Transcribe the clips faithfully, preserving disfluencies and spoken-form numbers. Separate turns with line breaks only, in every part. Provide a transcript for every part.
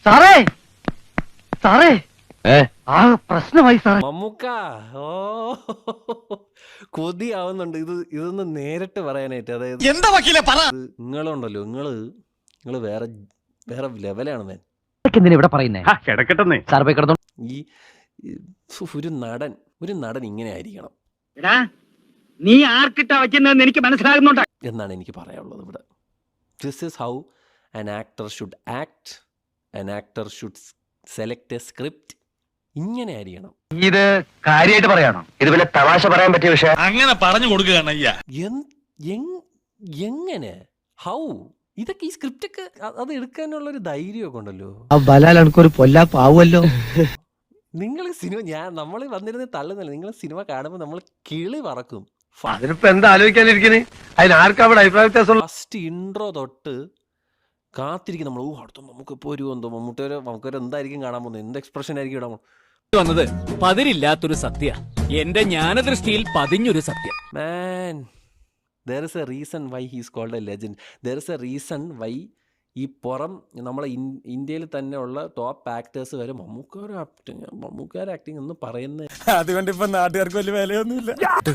സാറേ സാറേ ആ പ്രശ്നമായി സാറേ.
മമ്മൂക്ക ഓ കൊതിയാവുന്നുണ്ട് ഇത് ഇതൊന്ന് നേരിട്ട് പറയാനായിട്ട്. അതായത്
എന്താ വക്കീലെ പറ.
നിങ്ങളുണ്ടല്ലോ നിങ്ങള് നിങ്ങള് വേറെ വേറെ ലെവലാണ് ഞാൻ.
എന്തിനാ ഇവിടെ പറയുന്നേ?
കിടക്കട്ടെന്നേ
സാർ പോയി കിടന്നു.
ഈ ഈ ഒരു നടൻ ഒരു നടൻ ഇങ്ങനെ ആയിരിക്കണം
നീ ആർക്കിട്ടാ വയ്ക്കുന്നതെന്ന് എനിക്ക് മനസ്സിലാകുന്നുണ്ട്
എന്നാണ് എനിക്ക് പറയാനുള്ളത് ഇവിടെ. This is how an actor should act. An actor should select a script. ഇങ്ങനെ ആയിരിക്കണം.
ഇത് കാര്യമായിട്ട് പറയാണോ? ഇത് വല്ല തമാശ പറയാൻ പറ്റിയ വിഷയം?
അങ്ങനെ പറഞ്ഞു കൊടുക്കുകയാണ് അയ്യ.
എങ്ങനെ ഹൗ ഇതൊക്കെ ഈ സ്ക്രിപ്റ്റ് ഒക്കെ അത് എടുക്കാനുള്ള ഒരു ധൈര്യമൊക്കെ ഉണ്ടല്ലോ.
ഒരു പൊല്ലാപ്പാവുമല്ലോ.
നിങ്ങൾ സിനിമ ഞാൻ നമ്മൾ വന്നിരുന്ന് തള്ളുന്നില്ല. നിങ്ങൾ സിനിമ കാണുമ്പോൾ നമ്മൾ കിളി പറക്കും.
അതിനിപ്പോ എന്താ ആലോചിക്കാനിരിക്കണേ? അതിനാർക്കാ അവിടെ അഭിപ്രായ വ്യത്യാസം?
ഫസ്റ്റ് ഇൻട്രോ തൊട്ട് കാത്തിരിക്കും നമ്മൾ. ഓ അടുത്ത നമുക്ക് ഇപ്പോൾ ഒരു എന്തോ മമ്മൂട്ടിയൊരു നമുക്കൊരു എന്തായിരിക്കും കാണാൻ പോകുന്നത്, എന്ത് എക്സ്പ്രഷൻ ആയിരിക്കും ഇടാൻ
വന്നത്. പതിരില്ലാത്തൊരു സത്യ, എന്റെ ജ്ഞാനദൃഷ്ടിയിൽ പതിഞ്ഞൊരു സത്യം.
മാൻ, there is a reason why he is called a legend. There is a reason why ഈ പുറം നമ്മളെ ഇന്ത്യയിൽ തന്നെ ഉള്ള ടോപ്പ് ആക്ടേഴ്സ് വരെ മമ്മൂക്കാർ ആക്ടിങ് മമ്മൂക്കാർ ആക്ടിങ് എന്ന് പറയുന്നത്.
അതുകൊണ്ട് ഇപ്പൊ നാട്ടുകാർക്ക് വലിയ വിലയൊന്നുമില്ല.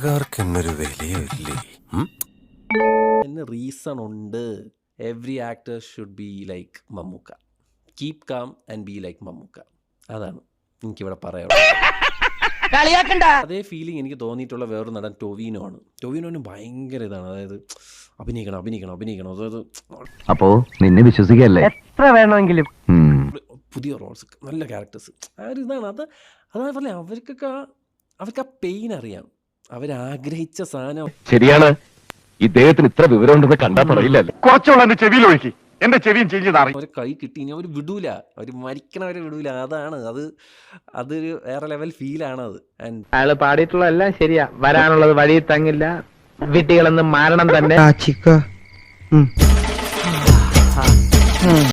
റീസൺ ഉണ്ട്. Every actor should be like Mammukka. Keep calm and be like Mammukka. അതാണ് എനിക്കിവിടെ പറയാനുള്ളത്. അതേ ഫീലിംഗ് എനിക്ക് തോന്നിയിട്ടുള്ള വേറൊരു നടൻ ടൊവിനോ ആണ്. ടൊവിനോന് ഭയങ്കര ഇതാണ്, അതായത് അഭിനയിക്കണം അഭിനയിക്കണം അഭിനയിക്കണം അതായത്
അപ്പോ നിന്നെ വിശ്വസിക്കല്ലേ എത്ര വേണമെങ്കിലും
പുതിയ റോൾസ് നല്ല ക്യാരക്ടേഴ്സ് ആ ഒരു ഇതാണ്. അത് അതേപോലെ അവർക്കൊക്കെ അവർക്ക് ആ പെയിൻ അറിയാം. അവരാഗ്രഹിച്ച സാധനം.
ശരിയാണ്, ഇദ്ദേഹത്തിന് ഇത്ര വിവരം ഉണ്ടെന്ന് കണ്ടാ പറയില്ലല്ലോ. കുറച്ചുള്ള എന്റെ ചെവിയിൽ ഒഴുക്കി, എന്റെ ചെവിയും ചേഞ്ച്
അവരെ കൈ കിട്ടി ഇനി അവർ വിടൂല, അവർ മരിക്കണവരെ വിടൂല. അതാണ് അത് അതൊരു വേറെ ലെവൽ ഫീലാണത്. ആൻഡ്
അയാള് പാടിയിട്ടുള്ള എല്ലാം ശരിയാ. വരാനുള്ളത് വഴി തങ്ങില്ല, വിട്ടികളെന്ന് മാരണം തന്നെ.